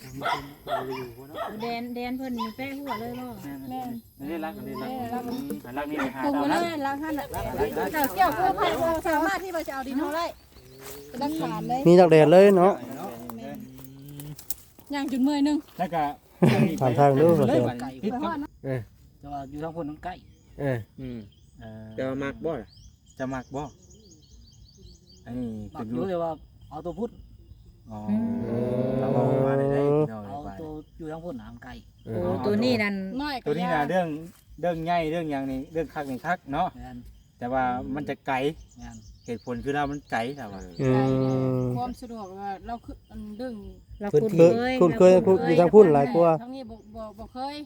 แดนเพิ่นแป้หัวเลยบ่แม่นี่รักนี่รักนี่หาปรุงเลยล้างหั่นน่ะเจ้าเกี่ยวเพื่อไผสามารถที่ว่าจะเอาดินเฮาได้เป็นหลักฐานเลยมีจากแดดเลยเนาะย่างจุดเมื่อยนึงแล้วก็ถามทางดูบ่เสียพิษครับแต่ว่าอยู่ทางคนนั้นใกล้จะมักบ่จะมักบ่อันนี้มักอยู่แต่ว่าเอาตัวพุทธอ๋อเราเอามาได้เอาตัวอยู่ทางคนหางไกลตัวนี้นั่นน้อยตัวนี้น่ะเรื่องใหญ่เรื่องอย่างนี้เรื่องคักนี่คักเนาะแม่นแต่ว่ามันจะไกลแม่นเหตุผลคือเรามันไกลแต่ว่าความสะดวกว่าเราคืออันดึงคุณเคยอยู่ทางพุ่นหลายกว่าทั้งนี้บ่เคย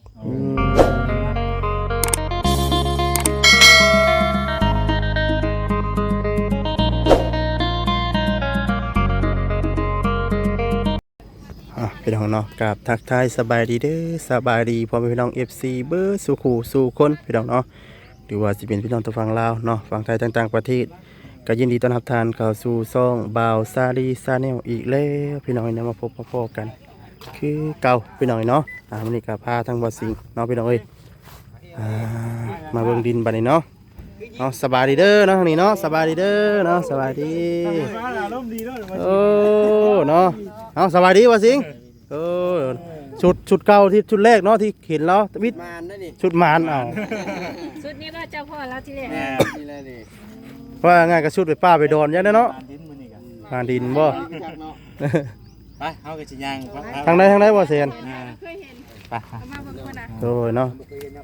พี่น้องเนาะกับทักทายสบายดีเด้อสบายดีพ่อแม่พี่น้อง FC เบอร์สู่ขู่สู่คนพี่น้องเนาะหรือว่าสิเป็นพี่น้องตัวฝั่งลาวเนาะฝั่งไทยต่างๆประเทศก็ยินดีต้อนรับทานเข้าสู่ซ่องบ่าวซาลีซาแนลอีกแล้วพี่น้องเนี่ยมาพบพ่อๆกันคือเก่าพี่น้องเนาะวันนี้ก็พาทั้งบ่สิงเนาะพี่น้องเอ้ยมาเบิ่งดินบัดนี้เนาะสบายดีเด้อเนาะนี่เนาะสบายดีเด้อเนาะสบายดีโอ้เนาะสบายดีบ่สิงชุดเก่าที่ชุดแรกเนาะที่เห็นแล้ววิทย์ชุดมานสุดนี้ว่าเจ้าพ่อแล้วที่แรกนี่แหละนี่ว่าง่ายก็ชุดไปป้าไปดอนยังได้เนาะงานดินบ่ไปเอากระชิยางทางใดบ่เซียนเคยเห็นไปมาเบิ่งคนน่ะโดยเนาะ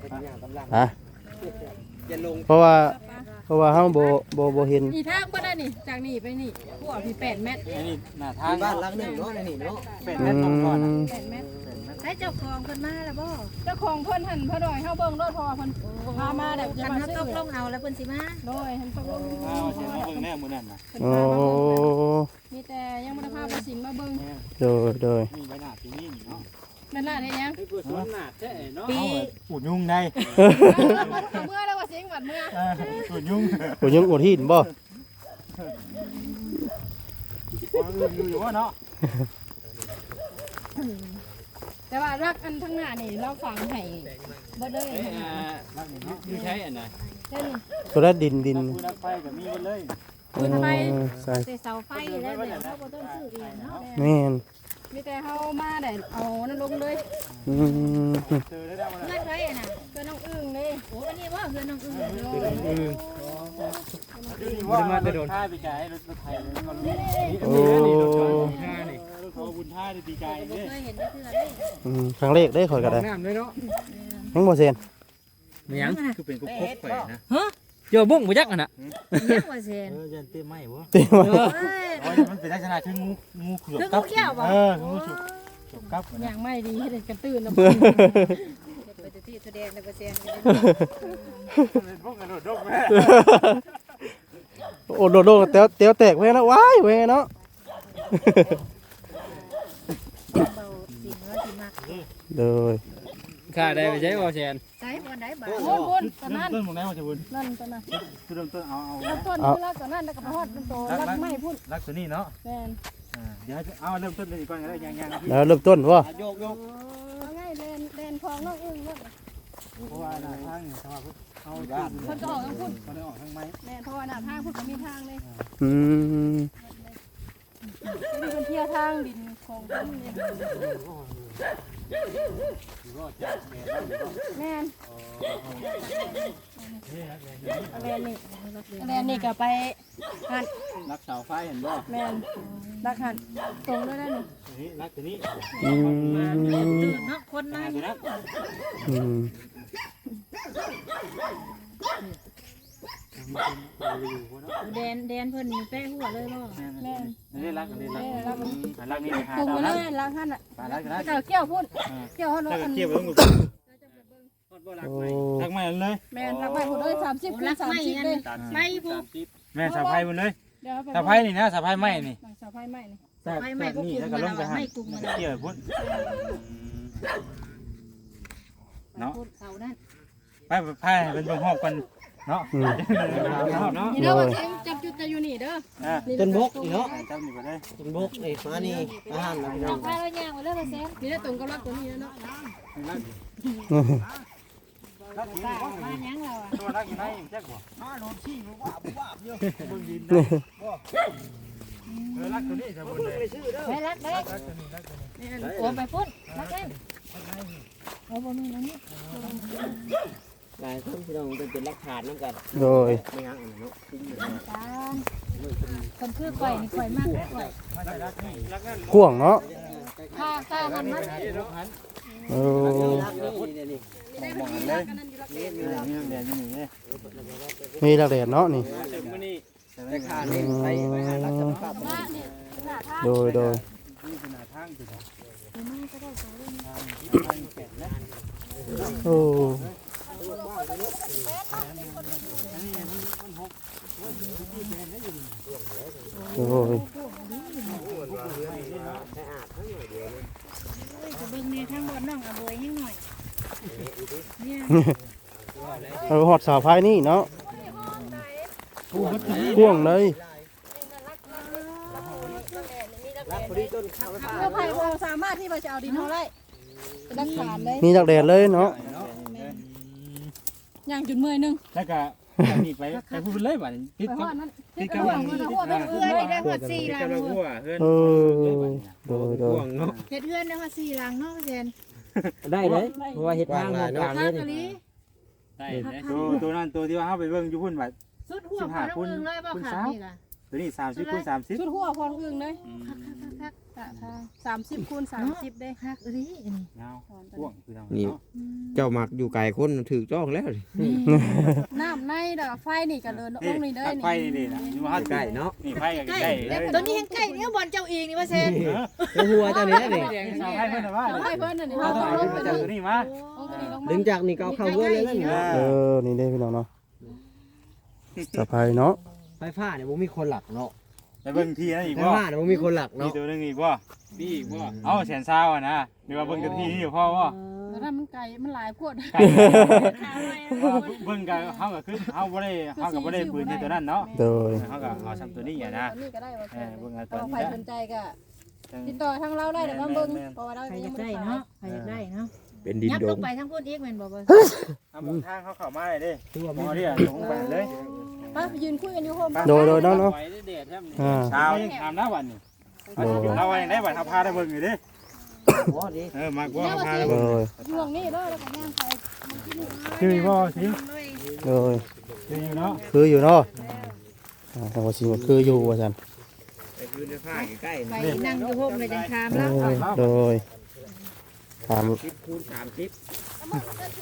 เพราะว่าเฮาบ่เห็นนี่ทางบ่ได้นี่จากนี่ไปนี่หัวพี่8เมตรอันนี้หน้าทางบ้านหลังนึงเนาะนี่เนาะเป็นแม่ก่อน 8เมตรให้เจ้าของเพิ่นมาแล้วบ่เจ้าของเพิ่นหั่นพอดอยเฮาเบิ่งรถพอเพิ่นพามาได้คันเฮาตกลงเอาแล้วเพิ่นสิมาโดยเพิ่นตกลงเสียมาเบิ่งแน่มื้อนั้นน่ะโอ้มีแต่ยังบ่ได้พาไปสิงมาเบิ่งโดยมีใบหน้าที่นี่เนาะนั่นล่ะได้ยังเพื่อสวนหน้าแท้เนาะปูดยุงได้เมื่อแล้วว่าสิงบัดเมื่อปูดยุงโอ้ยังอดหินบ่อยู่ว่าเนาะแต่ว่ารักอันทั้งหน้านี่เราฝังให้บ่ได้อยู่ใช้อันไหนเช่นตัวนั้นดินปืนไฟกับมีกันเลยใช่เสาไฟแล้วเดี๋ยวเราบ่ต้องซื้อเองเนาะแม่นมีแต่เฮามาได้เอานั่นลงเลยเจอได้แล้วเพื่อนไว้น่ะเพื่อนน้องอึ้งเลยโอ้อันนี้ว่าเพื่อนน้องอึ้งว่ามาจะโดนท่าปีกายรถไทยเลยมันโอ้รถท่านี่รถขอบุญท่าในปีกายเนี่ยเคยเห็นได้เพื่อนเลยครั้งแรกได้ข่อยก็ได้น้ำเลยเนาะยังบ่เซียนมียังคือเป็นกุ๊กแขวนนะฮะโยบุ้งบ่ยักอ่ะน่ะยังว่าเซนยันเต้ไหมวะเต็มมันเป็นลักษณะคืองูเขือบคือเขาเขี้ยวบ่งูฉุกกับอย่างไม่ดีให้เด็กกันตื่นแล้วไปที่แสดงในเปอร์เซ็นต์พวกกระโดดร่มแม่โอ้โดดเตียวแตกเว้ยนะว้ายเว้ยเนาะเบาสิ่งว่าสิมากโดยค่าได้ไปใช้บ่แซนใช้บนไหนบ้างบนตอนนั้นต้นหมดแล้วจะบุญนั่นตอนนั้นคือเริ่มต้นเอาแล้วต้นคือรักตอนนั้นแล้วก็ไปฮอดเป็นโตรักไม่พุ่นรักตัวนี้เนาะแมนเดี๋ยวเอาเริ่มต้นเลยก่อนก็ได้ยังแล้วเริ่มต้นว่าโยกเอาง่ายแดนคลองน้องอึ้งนั่นเพราะว่าหน้าทางสภาพเอาญาติคนก็ออกทางพุ่นเขาได้ออกทางไม้แมนเพราะว่าหน้าทางพุ่นก็มีทางเลยอืมมีคนเที่ยวทางดินของพุ่นแมนแมนนี่ก็ไปหันรักเสาไฟเห็นบ่แมนรักหันตรงด้วยได้หนึ่งนี่รักตัวนี้เนาะคนน้อยนะแดนเพิ่นแป้หัวเลยบ่แม่นนี่รักนี่หาปรุงเลยล้างหั่นน่ะเจ้าเกี่ยวพุ่นเกี่ยวหั่นเกี่ยวเบิ่งรักใหม่เลยแม่นรักไม้พุ่นเลย30คูณ30เลยไม้พุ่นแม่สะพายมันเลยสะพายนี่นะสะพายไม้นี่สะพายไม้นี่แต่นี่แล้วก็ลงไปหาเกี่ยวพุ่นเนาะเสานั่นไปพายเป็นเบิ่งหอบกันเนาะอืมเนาะนี่เด้อว่าจับจุดจะอยู่นี่เด้อต้นบกอีกเนาะจำนี่บ่ได้ต้นบกนี่มานี่อาหารนะพี่น้องพาเราย่างไปเลยว่าแซนนี่ได้ตรงกับรักตัวนี้แล้วเนาะมาหยังเราอ่ะตัวรักอยู่ไหนแจ๊กบ่ รักตัวนี้จะบนเลยไปรักเด้โอ้ไปพุ่นรักเด้โอ้บ่มีแล้วนี่หลายคนพี่น้องเป็นหลักฐานนำกันโดยไม่ยังเนาะตาคนคือข่อยนี่ข่อยมากข่อยกว้างเนาะค่าหันมันโอ้ได้พอดีรักกันนั่นอยู่รักเด้นี่เรียนอยู่นี่มีลักแดดเนาะนี่แต่ขานี่ไปหารักษาภาพว่านี่หน้าทางโดย โอ้โอ้ยจะเบิ่งในทางบนน้องอะบวยยังหน่อยเนี่ยเอาหอดสาวพายนี่เนาะพ่วงเลยรักพอดีต้นข้าวเพื่อไผ่เราสามารถที่จะเอาดินเท่าไรเป็นรักฐานเลยมีลักแดดเลยเนาะย่างจุดเมื่อยนึงแล้วก็นี่ไปพูดเลยบ่ติดไปกับหอดนั้นติดกับหัวหัวเป็นเอื้อยได้หอดสี่หลังหัวเฮือนเออโดยเฮ็ดเอื้อนได้หอดสี่หลังเนาะเจนได้เลยเพราะว่าเฮ็ดทางกลางข้านี่กะลีได้ตัวนั้นตัวที่ว่าเฮาไปเบิ่งอยู่พุ่นบัดสุดหัวพอน้องอึงเลยบ่ขาดนี่ล่ะตัวนี้30คูณ30 สุดหัวพอน้องอึงเลย30คูณ30ได้ฮักอียาวพ่วงคือทางนี่ เจ้ามักอยู่ไกลคนถือจ้องแล้วน้ำในดอกไฟนี่ก็เดินลงนี่เด้อไฟนี่นี่นะนี่ว่าใกล้เนาะนี่ไฟก็ใกล้เลยตัวนี้ยังใกล้เนี่ยบอลเจ้าเองนี่ว่าเซนแล้วหัวเจ้านี่นี่สาวไฟเพิ่นว่าเอาให้เพิ่นน่ะนี่เอาเอาตัวลงไปนี้เลยตัวนี้มาเอาตัวนี้ลงดึมางจากนี่ก็เอาเข้าเว้ยเลยนั่นเออ นี่ได้พี่น้องเนาะสะพายเนาะไฟฟ้าเนี่ยบ่มีคนหลักเนาะไปเบิ่งทีนั่นอีกไฟบ่ฟ้าเนี่ยบ่มีคนหลักมีเนาะตัวนึงอีกบ่มีอีกบ่เอาแสนซาวอ่ะนะหรือว่าเบิ่งตัวทีนี่พ่อบ่แล้วนั้นมันไก่มันหลายพวดเบิ่งกันเฮาก็คือเฮาบ่ได้ปืนในตัวนั้นเนาะโดยเฮาก็เอาซ้ำตัวนี้อ่ะนะนี่ก็ได้ว่าเบิ่งเอาตัตัว วไฟนี้สนใจก็ติดต่อทางเราได้เดี๋ยวมาเบิ่งเพราะว่าเรายังไม่ได้เนาะไปได้เนาะเป็นดินยับโดลมงไปทั้งพุ่นอีกแม่นบ่บ่เอาทางเขาเข้ามาเลยเด้ตัวบ่ได้ลงไปเลยป้ายืนคุยกันอยู่โฮมโดยเนาะเนาะอ่าเช้าถามนะวันนี้เราว่าอย่างไรบัดเอาพาได้เบิ่งอยู่เด้บ่ดีมากกว่าเอาพาได้โดเบิ่งยช่วงนี้เด้อแล้วก็ย่างไปคือบ่สิโดยคืออยู่เนาะคืออยู่เนาะแต่ว่าสิมันคืออยู่ว่าซั่นไปพื้นในผ้าใกล้ไปนั่งอยู่โฮมเลยจังคามเอแล้วอโดยถาม 10คูณ30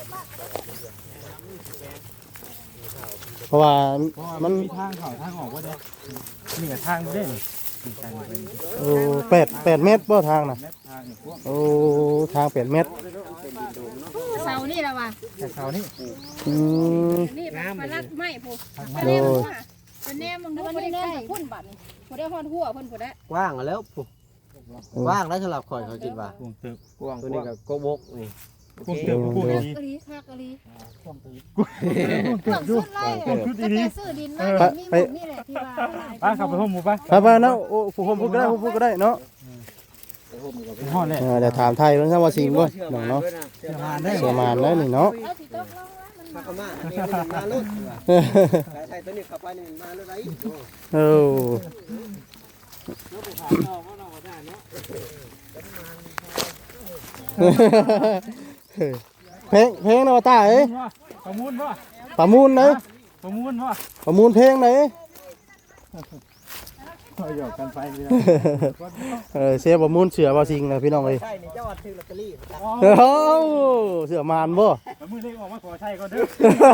เพราะว่ามันมีทางเข้าทางออกบ่ได้นี่ก็ทางบ่ได้นี่ทางเป็นโอ้8เมตรบ่ทางน่ะทางนี่พวกโอ้ทาง8เมตรเสานี่ละว่ะแต่เขานี่อืมนี่ปลาลัดไม้ผู้โดยเป็นแนมมึงดูบ่ได้แนมพุ่นบัดนี่บ่ได้ฮอดหัวเพิ่นบ่ได้กว้างแล้วปุ๊กว้างแล้วสำหรับข่อยเขาคิดว่าพวงตึกกว้างตัวนี้ก็โกบกนี่พวงตึกพวงดีกะลีคักกะลีพวงตึกเครื่องสุดไล่ก็แต่ซื้อดินมามีหมดนี่แหละที่ว่าป้าขับไปห้องหมู่ป้าไปๆเนาะโอ้ผมพูดก็ได้เนาะห้องเลยเดี๋ยวถามไทยเพิ่นซะว่าสิงบ่น้องเนาะเสื้อผ้าได้เสียมานแล้วนี่เนาะเอาสิตกลงแล้วมันมากมานี่มันมาลุดใส่ตัวนี้เข้าไปนี่มันมาลุดไอ้โอ้เพลงเนาะตาเอ้ยประมูลบ่ประมูลเลยประมูลบ่ประมูลเพลงไหนหยอกกันไปเลยเสียประมูลเสือบ่สิงนะพี่น้องเอ้ยใช่นี่เจ้าวัดซื้อลอตเตอรี่เอ้าเสือมานบ่มือเล็กออกมาขอใช้ก็เด้อ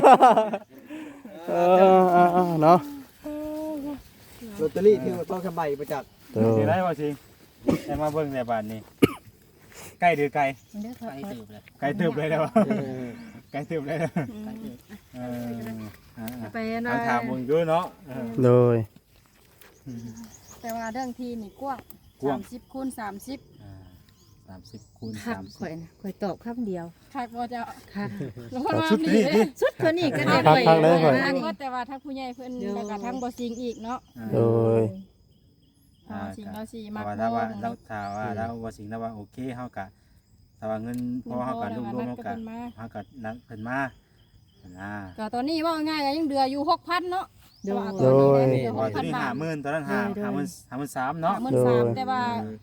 เนาะลอตเตอรี่ที่ต้องสบายประจักษ์เออสิได้บ่สิได้มาเบิ่งในบ้านนี้ใกล้หรือไกลเด้อค่ะไกลตึบเลยแล้วไกลตึบเลยไปนะถามมึงอยู่เนาะโดยแต่ว่าเรื่องทีนี่กว้าง30คูณ30 30คูณคักข่อยน่ะข่อยตอบคำเดียวคักบ่เจ้าค่ะแล้วเพิ่นว่าชุดมีนี้ดิสุดคนนี้ก็ได้คักๆเลยข่อยคักบ่แต่ว่าทั้งผู้ใหญ่เพิ่นแล้วก็ทั้งบ่สิงอีกเนาะโดยถ้าสิงเราสิมักว่าบ่ถ้าว่าเราถ้าว่าเราว่าสิ่งแล้วว่าโอเคเฮาก็ถ้าว่าเงินพอเฮาก็รวมๆเฮาก็เฮาก็นัดเพิ่นมานะก็ตอนนี้ว่าง่ายก็ยังเดืออยู่ 6,000 เนาะโดยแต่ว่าตอนนี้เหลือว่าตัวนี้ 6,000 บาท 50,000ตอนนั้น53,000เนาะ 53,000แต่ว่า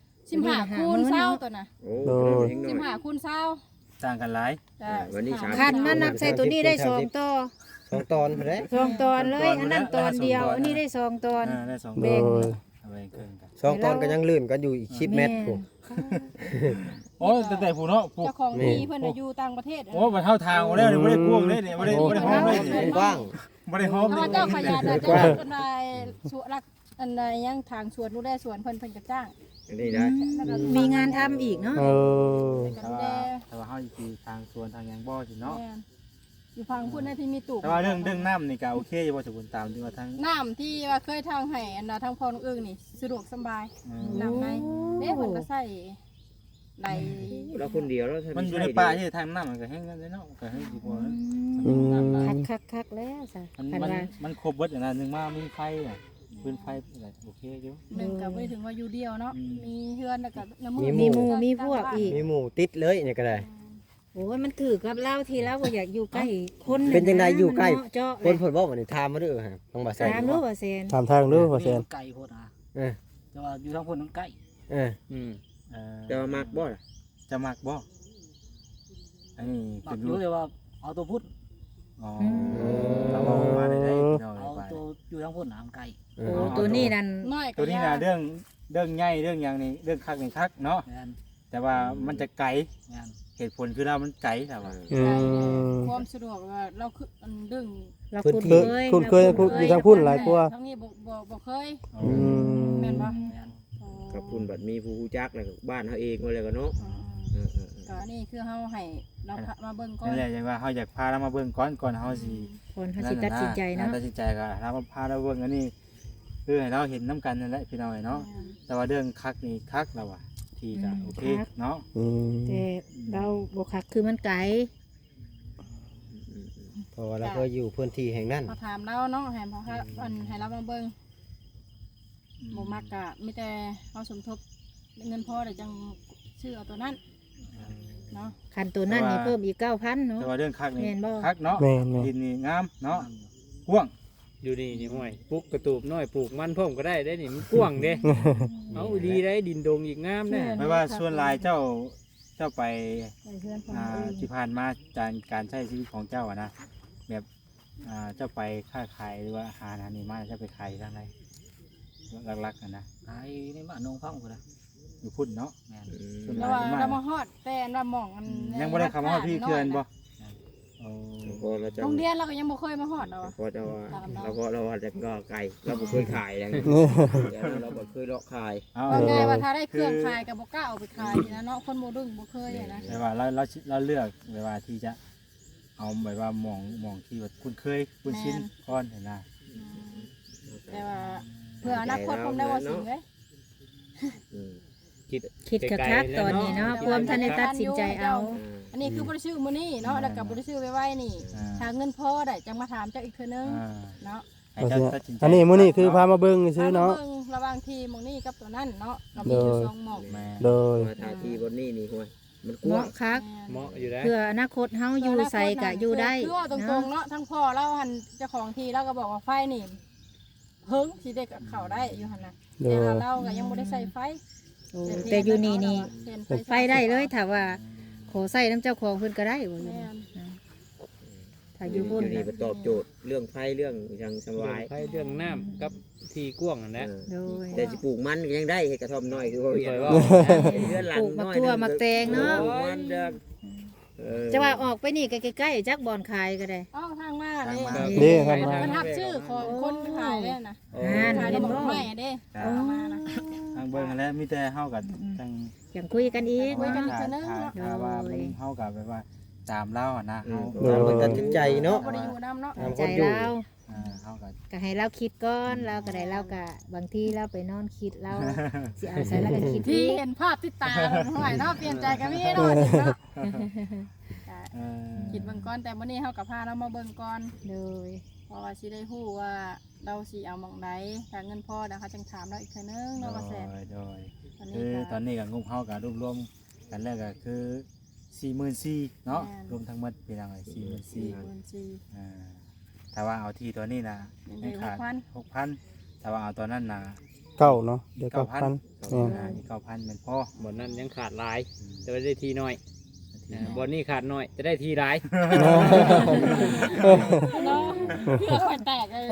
15คูณ20ตัวน่ะโอ้โดยเฮงหน่อย 15คูณ20 ต่างกันหลายจ้ะวันนี้3 คันมานับใส่ตัวนี้ได้2ต่อ 2 ตอนพุ่นเด้ 2ตอนเลยอันนั้นตอนเดียวอันนี้ได้2ตอนได้2 โดเด้งยเอาไปครึ่งกัน 2 ตอนก็ยังลื่นกันอยู่อีก10 เมตรพุ่นโอ้แต่ผู้เนาะผู้เจ้าของที่เพิ่นน่ะอยู่ต่างประเทศโอ้บ่เท่าทางแล้วนี่บ่ได้กว้างเลยนี่บ่ได้หอมเลยเป็นี่นกว้างบ่ได้หอมเพเลราะยว่าเจ้าขยันน่ะเจ้าเป็นนายสวนรักอันใดยังทางสวนดูแลสวนเพิ่นก็จ้างอันนี้ได้แล้วก็มีงานทำอีกเนาะเออก็ดูแลแต่ว่าเฮาสิทางสวนทางหยังบ่สิเนาะแม่นอยู่ฟังพูดในที่มีตู่แต่ว่าเรื่องน้ำนี่ก็โอเคอยู่บ่สมบูรณ์ตามที่ว่าทางน้ำที่ว่าเคยทางให้อันน่ะทางพ่อน้องเอิ้งนี่สะดวกสบายน้ำในเด้เพิ่นก็ใส่ไหลเราคนเดียวแล้วมันอยู่ในป่าที่ทางน้ำมันก็แห้งกันเลยเนาะก็ให้สิบ่อืมคักแล้วซะมันคันมันว่ามันครบเบิดอย่างนั้นนึงมามีไฟอ่ะปืนไฟอะไรโอเคอยู่หนึ่งก็บ่ได้ถึงว่าอยู่เดียวเนาะมีเฮือนแล้วก็น้ำมีหมู่มีพวกอีกมีหมู่ติดเลยนี่ก็ได้โอ้ยมันถือกับเราทีแล้วบ่อยากอยู่ใกล้คนเป็นจังไดอยู่ใกล้มันเจาะคนเพิ่นบอกว่านี่ถามมาเด้อฮะต้องบ่ใส่ตามรู้ว่าเซนถามทางดูว่าแซนไก่โพดอ่ะเออแต่ว่าอยู่ทางพุ่นมันไก่เออจะมักบ่ล่ะจะมักบ่อันนี้มัเป็กนอยู่รู้เลยว่าเอาตัวพุทธอ๋อเราเอามาได้พี่น้องเอาไปตัวอยู่ทางพุ่นน้ำไก่เอโอ้อตัวนี้นั่นน้อยตัวนี้นะเรื่องใหญ่เรื่องอย่างนี้เรื่องคักนี่คักเนาะแม่นแต่ว่ามันจะไกลแม่นเหตุผลคือเรามันไกลแต่ว่าอืมความสะดวกว่าเราคืออันดึงเราคุ้นเคยอยู่ทางพุ่นหลายกว่าทั้งนี้บ่เคยอืมแม่นบ่แม่นกับคุณบัดมีผู้รู้จักแล้วก็บ้านเฮาเองว่าแล้วก็เนาะเออก็นี่คือเฮาให้เรามาเบิ่งก่อนนั่นแหละอย่างว่าเขาอยากพาเรามาเบิ่งก่อนเขาสิคนเขาสิตัดสินใจเนาะตัดสินใจก็เรามาพาเราเบิ่งอันนี้คือให้เราเห็นน้ำกันนั่นแหละพี่น้องเนาะแต่ว่าเรื่องคักนี่คักเราอะทีก็โอเคเนาะอืมแต่เราบ่คักคือมันไกลเพราะว่าเราเคยอยู่พื้นที่แห่งนั้นมาถามเราเนาะให้พออันให้เรามาเบิ่งบ่มักก็มีแต่เฮาสมทบเงินพอได้จังซื้อเอาตัวนั้นเนาะคันตัวนั้นนี่เพิ่มอีก 9,000 เนาะแต่ว่าเรื่องคักนี่แม่นบ่คักเนาะแม่นแม่นดินนี่งามเนาะกว้างอยู่นี่นี่ห้วยปลูกกระตูบน้อยปลูกมันพร้อมก็ได้ได้นี่มันกว้างเด้ เอาดีได้ดินดงอีกงามแน่ไม่ว่าส่วนหลายเจ้าไปไปเพื่อนของที่ผ่านมาการใช้ชีวิตของเจ้าอะนะแบบเจ้าไปค้าขายหรือว่าหาอาหารนี่มาเจ้าไปขายทางไหนหลักๆอะนะไอ้ในบ้านนงพังพุ่นน่ะอยู่พุ่นเนาะแม่นส่วนหเราลายที่เรามามาฮอดแต่เรามองอันยังบ่ได้คำว่าพี่เคือนบ่โอ้พอเราจะโรงเรียนเราก็ยังบ่เคยมาฮอดเนาะพอจะว่าเราว่าจะก็ไก่เราบ่เคยขายแล้วเราบ่เคยเลาะขายเอาว่าไงว่าถ้าได้เครื่องขายก็บ่กล้าเอาไปขายนะเนาะคนโมดึงบ่เคยอะนะแต่ว่าเราเลือกแบบว่าที่จะเอาแบบว่ามองที่ว่าคุ้นเคยคุ้นชินก่อนเห็นนะแต่ว่าเพื่ออนาคตผมได้ว่าสิ่งเลยคิดคักๆตอนนี้เนาะความทันได้ตัดสินใจเอาอันนี้คือบ่ได้ชื่อมื้อนี้เนาะแล้วก็บ่ได้ชื่อไว้นี่ถ้าเงินพอได้จังมาถามเจ้าอีกเทื่อนึงเนาะให้เจ้าตัดสินใจอันนี้มื้อนี้คือพามาเบิ่งซื้อเนาะระหว่างทีหมองนี้กับตัวนั้นเนาะเรามีอยู่2หม่องแม่โดยมาทาที่บนนี่นี่ห่วยมันกเหว้ามาะงคักเหมาะอยู่ได้เพื่ออนาคตเฮาอยู่ใส่ก็อยู่ได้คือว่าตรงๆเนาะทั้งพ่อเราหันเจ้าของทีเราก็บอกว่าไฟนี่เฮิงสิได้กับเข้าได้อยู่หั่นน่ะโดแต่ยว่าเราก็ยังบ่ได้ใส่ไฟโอ้แต่อยู่นี่ไฟได้เลยถ้าว่าขอใส่น้ำเจ้าของเพิ่นก็ได้บ่อยู่ถ้าอยู่พุ่นนี่ไปตอบโจทย์เรื่องไฟเรื่องยังสบายไฟเรื่องน้ำกับที่กว้างนั่นแหละโดยแต่สิปลูกมันก็ยังได้เฮ็ดกระท่อมน้อยคือว่าเคยว่าเรือนหลังปลูกมักน้อยทั่วมักแตงเนาะปลูกมันเด้อจะว่าออกไปนี่ก็ใกล้ๆจักบ่อนขายก็ได้อ้าวทางมาเด้นี่ครับมันทับชื่อของคนขายเด้นะ ขายได้บอกไม่เด้มานะทางเบิ่งแล้วมีแต่เฮากับจังอย่างคุยกันอีกคุยกันเนาะถ้าว่ามันเฮากับแบบว่าตามเล่าอ่ะนะเฮาตามเพิ่นตัดสินใจเนาะบ่ได้อยู่นำเนาะตามคใจนอยู่เราเฮาก็ก็ให้เราคิดก่อนเราก็ได้เราก็บางทีเราไปนอนคิดเราสิเอาใส่แล้วก็คิดที่อีกเห็นภาพที่ตาเพิ่นห้อยเนาะเปลี่ยนใจก็มีเนาะสิเนาะก็เออคิดเบิ่งก่อนแต่มื้อนี้เฮาก็พาเรามาเบิ่งก่อนโดยเพราะว่าสิได้ฮู้ว่าเราสิเอาหม่องใดถ้าเงินพอเดี๋ยวเขาจังถามเราอีกเทื่อนึงเนาะว่าแซ่บโดยตอนคืนี้อก็ตอนนี้ก็งบเฮาก็รวมๆกันแล้วก็คือ 44,000เนาะรวมทั้งหมดเป็นจังได๋44,000 44,000 ถ้าว่าเอาที่ตัวนี้นะยังไม่ได้ขาด 6,000ถ้าว่าเอาตัวนั้นนะเก้าเนาะเดี๋ยว 9,000 9,000 นี่9,000เป็นพ่อบ่นั้นยังขาดหลายจะได้ทีน้อยบ่นี้ขาดน้อยจะได้ทีหลายเนาะเพื่อค่อยแตกเลย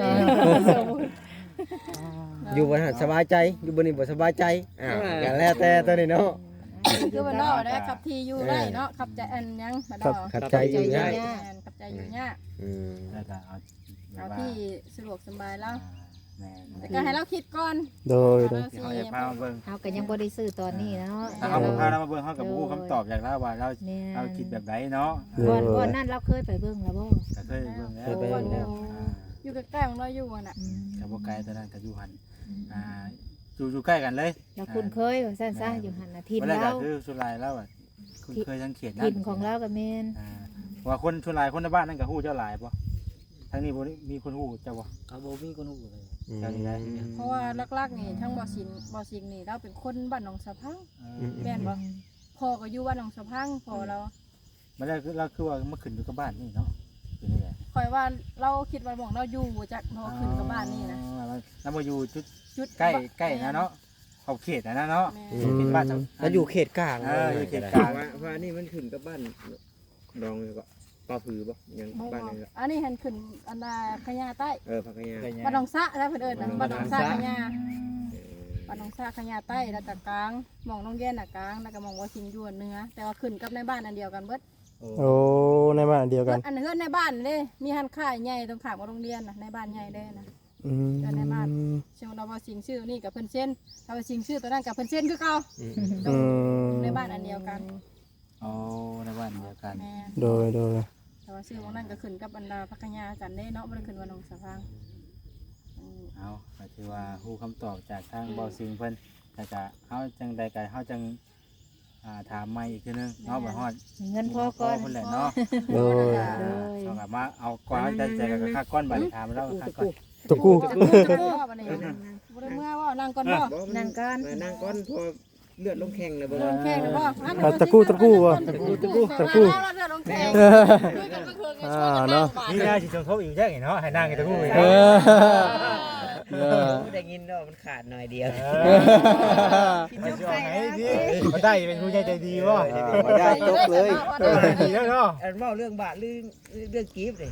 อยู่บนหันสบายใจอยู่บนนี้บ่สบายใจอย่างแล้วแต่ตัวนี้เนาะคือมันเนาะได้ขับทีอยู่ได้เนาะขับใจอันยังมาดอกขับใจอยู่ได้ขับใจอยู่ยากแล้วก็เอาเอาที่สะดวกสบายแล้วแม่แต่ก็ให้เราคิดก่อนโดยเราที่สิเขาจะพามาเบิ่งเอาก็ยังบ่ได้ซื้อตอนนี้เนาะถ้าเขาบ่พาเรามาเบิ่งเขากับผู้คำตอบอยากแล้วว่าเราแม่นเราคิดแบบไหนเนาะก่อนนั้นเราเคยไปเบิ่งแล้วบ่ก็เคยเบิ่งแล้วเคยไปเบิ่งแล้วอยู่ใกล้ๆของเราอยู่น่ะกับบ่ไกลตัวนั้นก็อยู่หันอยู่ใกล้กันเลยเราคุ้นเคยว่าซั่นซะอยู่หั่นน่ะทินวันแรกเราก็คือสุรายแล้วอ่ะคุณเคยสังเกตนะทินของเราก็แม่นว่าคนสุรายคนในบ้านนั่นก็ฮู้เจ้าหลายป่ะทางนี้บ่มีคนฮู้เจ้าบ่เขาบ่มีคนฮู้เลยเจ้านี่ได้เพราะว่าลักๆนี่ทั้งบ่สิงนี่เราเป็นคนบ้านหนองสะพังแม่นบ่พ่อก็อยู่บ้านหนองสะพังพ่อเรามันได้เราคือว่ามาขึ้นอยู่กับบ้านนี่เนาะเป็นนี่แหละคอยว่าเราคิดว่าหม่องเราอยู่จากพอขึ้นกับบ้านนี่นะแล้วมาอยู่จุดจุดใกล้นะเนาะขอบเขตนะเนาะแม่เป็นบ้านแล้วอยู่เขตกลางอยู่เขตกลางว่านี่มันขึ้นกับบ้านดองก็ปลาผือบ่ยังบ่บ้านนึงอันนี้เห็นขึ้นอันน่ะขยาใต้พักยาบ้านหนองสะถ้าเพิ่นเอิ้นนะบ้านหนองสะขยาบ้านหนองสะขยาใต้แล้วก็กลางหม่องน้องเย็นน่ะกลางแล้วก็หม่องว่าสิงอยู่เหนือแต่ว่าขึ้นกับในบ้านอันเดียวกันเบิดโอ้ในบ้านเดียวกันอันเฮือนในบ้านเด้มีหันค่ายใหญ่ตรงข้ามกับโรงเรียนน่ะในบ้านใหญ่เด้นะอืมเชื่อเราว่าสิงชื่อนี่กับเพิ่นเส้นถ้าว่าสิงชื่อตัวนั้นกับเพิ่นเส้นคือเก่าอืมในบ้านอันเดียวกันโอ้ในบ้านเดียวกันแม่โดยแต่ว่าชื่อของนั้นก็ขึ้นกับบรรดาพักยากันได้เนาะบ่ได้ขึ้นว่าน้องสะพังเอาก็ถือว่าฮู้คำตอบจากทางเบาซิงเพิ่นแต่ก็เฮาจังใดก็เฮาจังถามใหม่อีกทีนึงเนาะบ่ฮอดมีเงินพอก่อนเพิ่นแหละเนาะโดยเอากลับมาเอาก่อนใจใจกับค่าก้อนบัดถามแล้วค่าก้อนตะกู้จะกู้บ่นี่บ่ได้เมื่อว่านั่งก่อนบ่นั่งก่อนนั่งก้อนพอเลือดลงแข้งเลยบ่ลงแข่งนะบ่ตะกู้ว่ะเลือดลงแข่งคุยกันก็คือกันช่วยกันเนาะนี่น่าสิชมทบอีกแจ้งเนาะให้นั่งกันตะกู้อีกเออได้ยินว่ามันขาดหน่อยเดียวมันจะให้ดิมันได้เป็นผู้ใหญ่ใจดีบ่มาได้จบเลยดีแล้วเนาะอันเมาเรื่องบาทเรื่องกีบเลย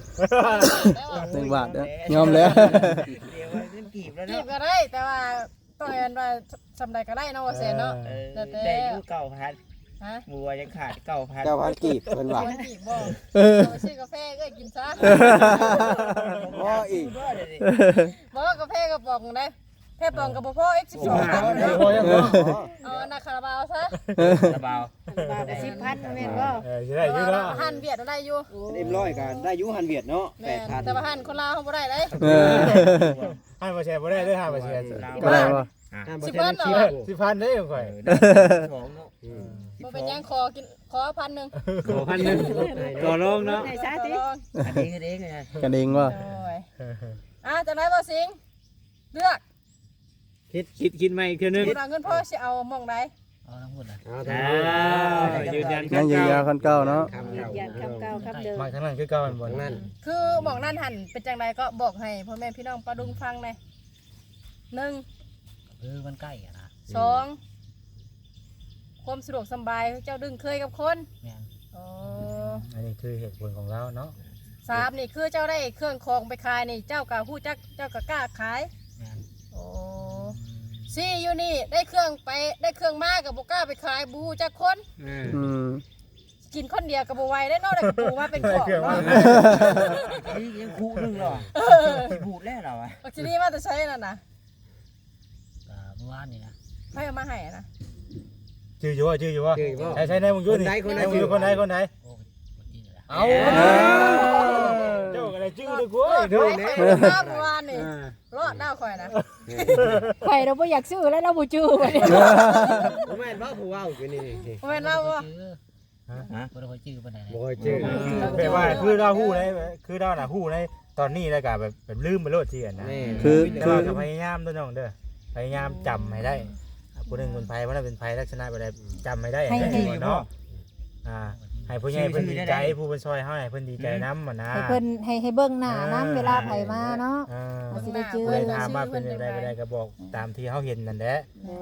1 บาทเด้อยอมแล้วเดี๋ยวว่าเรื่องกีบแล้วจีเนาะบก็ได้แต่ว่าต้องเรียนว่าสำใดก็ได้เนาะว่าเซนเนาะได้อยู่9,000 ฮะบัวยังขาด9,000 9,000กีบเพิ่นว่ามันจีบบ่ซื้อกาแฟก็กินซะบ่อีกบ่กาแฟกระป๋องได้แค่ป๋องกับพ่อ X12 เอาหน้าคาราบาวซะสบายบาท10,000แม่นบ่สิได้อยู่เนาะหันเวียดได้อยู่เอ็มร้อยก็ได้อยู่หันเวียดเนาะแม่แต่ว่าหันคนลาวเขาบ่ได้เลยให้มาแชร์บ่ได้เด้อ5%บ่ได้บ่ได้บ่ 10เพิ่นเนาะ 10,000เด้อข่อย 2เนาะบ่เป็นหยังขอกินขอ1,000นึงขอพันหนึงต่อรองเนาะได้ซะติอันนี้คือเด้งไงกันเองว่าโอ้ยจังได๋บ่สิงเลือกคิดใหม่อีกเทื่อนึงคุณเอาเงินพ่อสิเอาหม่องใดเอาทั้งหมดนะยืนยันยังยืนยาวคันเก่าเนาะยันคำเก่าคำเดิมมาทางนั้นคือเก่ามันบ่นั่นคือหม่องนั้นหันเป็นจังไดก็บอกให้พ่อแม่พี่น้องปลาดุงฟังหน่อย1 มันใกล้อ่ะนะ 2ความสะดวกสบายเจ้าดึงเคยกับคนแม่นอ๋ออันนี้คือเหตุผลของเราเนาะ 3นี่คือเจ้าได้เครื่องของไปขายนี่เจ้าก็ฮู้จักเจ้าก็กล้าขายแม่นโอ้4อยู่นี่ได้เครื่องไปได้เครื่องมาก็บ่กล้าไปขายบ่ฮู้จักคนอืมกินคนเดียวก็บ่ไหวได้เนาะได้กระปูมาเป็นของเนาะนี่ยังคู่นึงหรอบูดแล้วเหรอวะบักทีนี้มาแต่ใช้นั่นน่ะเมื่อวานนี่นะใครเอามาให้อะนะชื่ออยู่ว่าใช่ในมึงอยู่นี่คนไหนโอ้คนที่เหลือเอาเจ้าอะไรชื่อเลยกูเด้อเมื่อวานนี่รอดหน้าข่อยนะข่อยเราบ่อยากซื้อแล้วเราบ่จื้อบัดนี้บ่แม่นบ่ผู้เว้าคือนี่บ่แม่นเราบ่บ่ได้ค่อยชื่อปานใดบ่เคยชื่อแปลว่าคือเราฮู้ได้คือเราน่ะฮู้ในตอนนี้แล้วก็แบบลืมไปโลดเสียนะคือแต่ว่าก็พยายามเด้อน้องเด้อพยายามจำให้ได้ผู้หนึงคนไผว่าน่ะเป็นไผลักษณะแบบใดจำให้ได้เนาะให้ผู้ใหญ่เพิ่นดีใจผู้เพิ่นซอยเฮาให้เพิ่นดีใจนำน่ะนะให้เพิ่นให้เบิ่งหน้านํเวลาไผมาเนาะ มันสิได้จื้อเลยถามว่าเป็นจังไดบ่ได้ก็บอกตามที่เฮาเห็นนั่นแหละ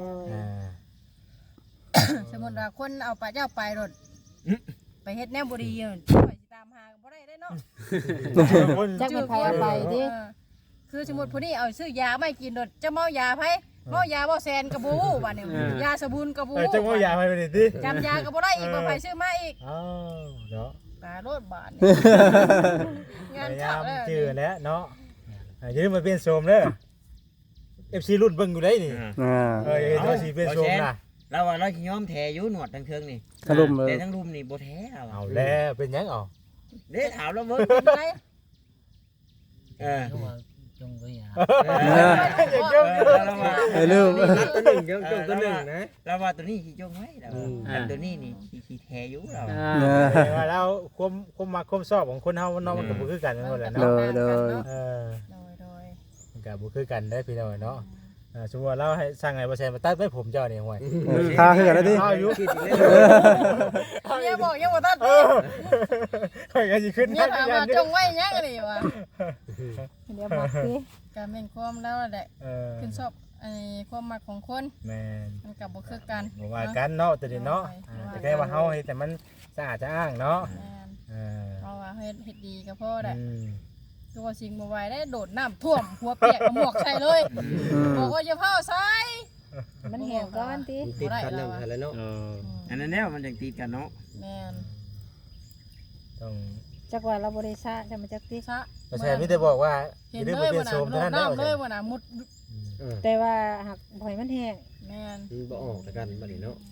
สมมุติว่าคนเอาไปเจ้าไปรถไปเฮ็ดแนวบ่ดีข่อยสิตามหาบ่ได้เนาะจักเป็นไผเอาไปติคือสมมุติผู้นี้เอาซื้อยาไม่กินรถจะเมายาไผเมายาบ่แซนกระบูบัดนี้ยาสบูนกระบูจังว่าอย่าไปนี่ติจำยาก็บ่ได้อีกบ่ไผซื้อมาอีกอ้าวเนาะตาโลดบาดพงานยายาเข้าม แล้วชื่อแล้วเนาะอย่าลืมมาเป็นโสมเด้อ FC รุ่นเบิ่งอยู่ได้นี่เห็นว่าสิเป็นโสมน่ะเราว่าเราสิยอมแท้อยู่หนวดทั้งเทิงนี่อารมณ์แต่ทั้งรุมนี่บ่แท้เราเอาแล้วเป็นหยังเอาเด้ถามเราเบิ่งเป็นไรจงก็อย่าไอ้ลืมรับตัวหนึ่งจงตัวหนึ่งนะเราว่าตัวนี้สิจงไว้เราแต่ตัวนี้นี่สิแท้อยู่เราว่าแล้วความมักความชอบของคนเฮามันเนาะมันก็บ่คือกันนั่นแหละโดเนาะยโดยเออโดยมันก็บ่คือกันได้พี่น้องเนาะสมมุติว่าเราให้สั่งให้บ่แซนมาตัดไว้ผมเจ้านี่ห่วยทาคือกันแล้วดิเอาอยู่เนี่ยบอกยังบ่ทันค่อยก็สิขึ้นเนี่ยถามว่าจงไว้ยังนี่วะเดี๋ยวบอกสิก็แม่นความแล้วแหละ ขึ้นชอบไอ้ความมักของคนแม่นมันก็บ่คือกันบ่ว่ากันเนาะตัวนี้เนาะแต่แค่ว่าเฮาให้แต่มันสะอาดจะอ้างเนาะแม่นเออเพราะว่าเฮ็ดดีก็พอแหละอืมตัวสิ่งบ่ไหวได้โดดน้ำท่วมหัวเปียกหมวกใส่เลยบอกว่าอย่าเผาใส่มันแห้งก่อนติติดกันนำแล้วเนาะอันนั้นแนวมันจังติดกันเนาะแม่นต้องจักว่าเราบ่ได้ซะจะมาจักติซะบ่แซนมีแต่บอกว่าอเห็นย่าลืมเลไปยเป็ว่าน น่ะโสมโดเท่าดนั้นเด้อน้ำเลยว่าน่ะมุดแต่ว่าหักบ่ให้มันแห้งแม่นบ่ออกกันบัดนี้เนาะ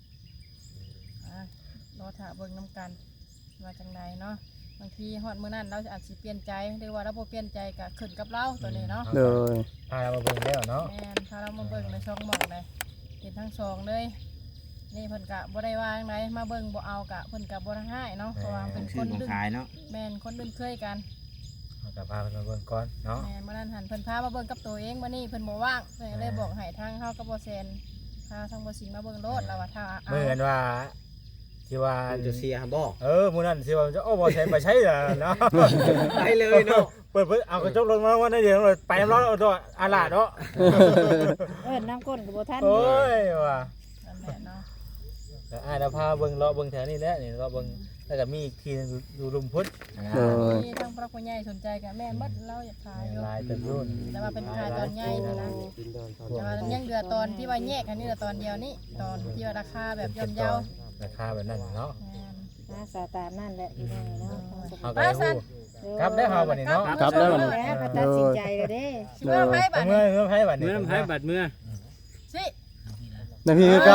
รอถ่าเบิ่งน้ำกันว่าจังไดเนาะบางทีฮอดมื้อนั้นเราอาจสิเปลี่ยนใจหรือว่าเราบ่เปลี่ยนใจก็ขึ้นกับเราตัวนี้เนาะโดยพาเรามาเบิ่งแล้วเนาะแม่นพาเรามาเบิ่งในช่องหมอกเลยเห็นทั้งสองเลยนี่เพิ่นกะบ่ได้ว่าจังไดมาเบิ่งบ่เอากะเพิ่นกะบ่ได้ให้เนาะเพราะว่าเป็นคชื่อน ของดึงขายเนาะแม่นคนดึงเคยกันเราก็พาเพิ่นมาเบิ่งก่อนเนาะแม่นมื้อนั้นหันเพิ่นพามาเบิ่งกับตัวเองมื้อนี้เพิ่นบ่ว่างเพิ่นก็เลยบอกให้ทางเฮากับบ่แซนพาทางบ่สิงมาเบิ่งโลดแล้วว่าถ้าเอาเหมือนว่าที่ว่าจะเสียบ่มื้อนั้นสิว่าจะโอ้บ่แซนไปใช้ล่ะเนาะไปเลยเนาะเปิดเอากระจกลงมาว่าได้เดี๋ยวไปน้ำร้อนเอาตัวอาลาเนาะน้ำก้นก็บ่ทันโอ้ยว่ะนั่นแหละเนาะแต่อ้ายเราพาเบิ่งเลาะเบิ่งแถวนี้แหละนี่เลาะเบิ่งแล้วก็มีอีกทีนึงอยู่ลุมพุทธโดยมีทางพระผู้ใหญ่สนใจก็แม่นหมดเราอยากขายอยู่ลายเต็มรุ่นแต่ว่าเป็นขายตอนใหญ่นี่นะแต่ว่ายังเหลือตอนที่ว่าแยกอันนี้เหลือตอนเดียวนี่ตอนที่ว่าราคาแบบย่อมเยาราคาแบบนั้นเนาะแม่นนะสาตามนั่นแหละพี่น้องเนาะเอาไปฮู้ครับได้เฮาบัดนี้เนาะครับได้บัดนี้แล้วก็ตัดสินใจแล้วเด้สิว่าไผบัดเมื่นี้อไผบัดนี้เมื่อน้ำไผ่บัดเมื่อสินาทีก็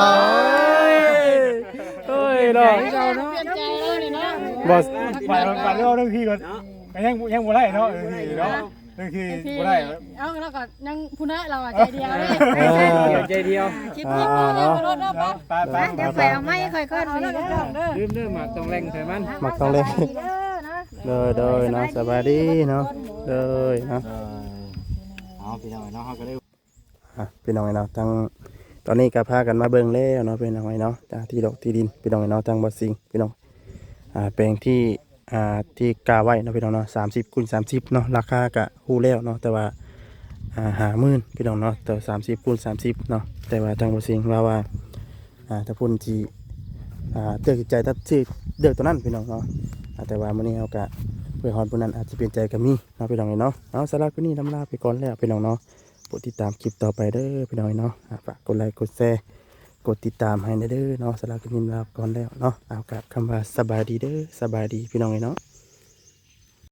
เฮ้ยดอกเปลี่ยนใจแล้วนี่เนาะบ่ไปเอาเรื่องที่ก่อนยังบ่ได้เนาะเรื่องที่เนาะเรื่องที่บ่ได้เอาแล้วก็ยังผู้น้าเราใจเดียวเลยเดี๋ยวใจเดียวคิดเพียงเดียวรถเนาะป้าไปเดี๋ยวไปเอาไม้ค่อยๆเอานี่แล้วเด้อเด้อลืมหมากต้องแรงใส่มันมักต้องเลยเด้อนะโดยเนาะสบายดีเนาะโดยเนาะเอาพี่น้องเนาะเฮาก็ได้พี่น้องเนาะทั้งตอนนี้ก็พากันมาเบิ่งแล้วเนาะพี่น้องเนาะจากที่ดอกที่ดินพี่น้องเนาะทางบ่สิงพี่น้องแปลงที่ที่กาไว้เนาะพี่น้องเนาะ30 คูณ 30เนาะราคาก็ฮู้แล้วเนาะแต่ว่า50,000พี่น้องเนาะแต่30 คูณ 30เนาะแต่ว่าทางบ่สิงว่าถ้าพุ่นที่เลือกใจตัดสิเลือกตัวนั้นพี่น้องเนาะแต่ว่ามื้อนี้เฮาก็เพื่อฮอดผู้นั้นอาจจะเปลี่ยนใจก็มีเนาะพี่น้องเนาะเอาสำหรับคลิปนี้ลำลาไปก่อนแล้วพี่น้องเนาะโปรดติดตามคลิปต่อไปเด้อพี่น้องเนาะฝากกดไลค์กดแชร์กดติดตามให้เด้อเนาะสำหรับคลิปนี้ลาไปก่อนแล้วเนาะเอากับคำว่าสบายดีเด้อสบายดีพี่น้องเนาะ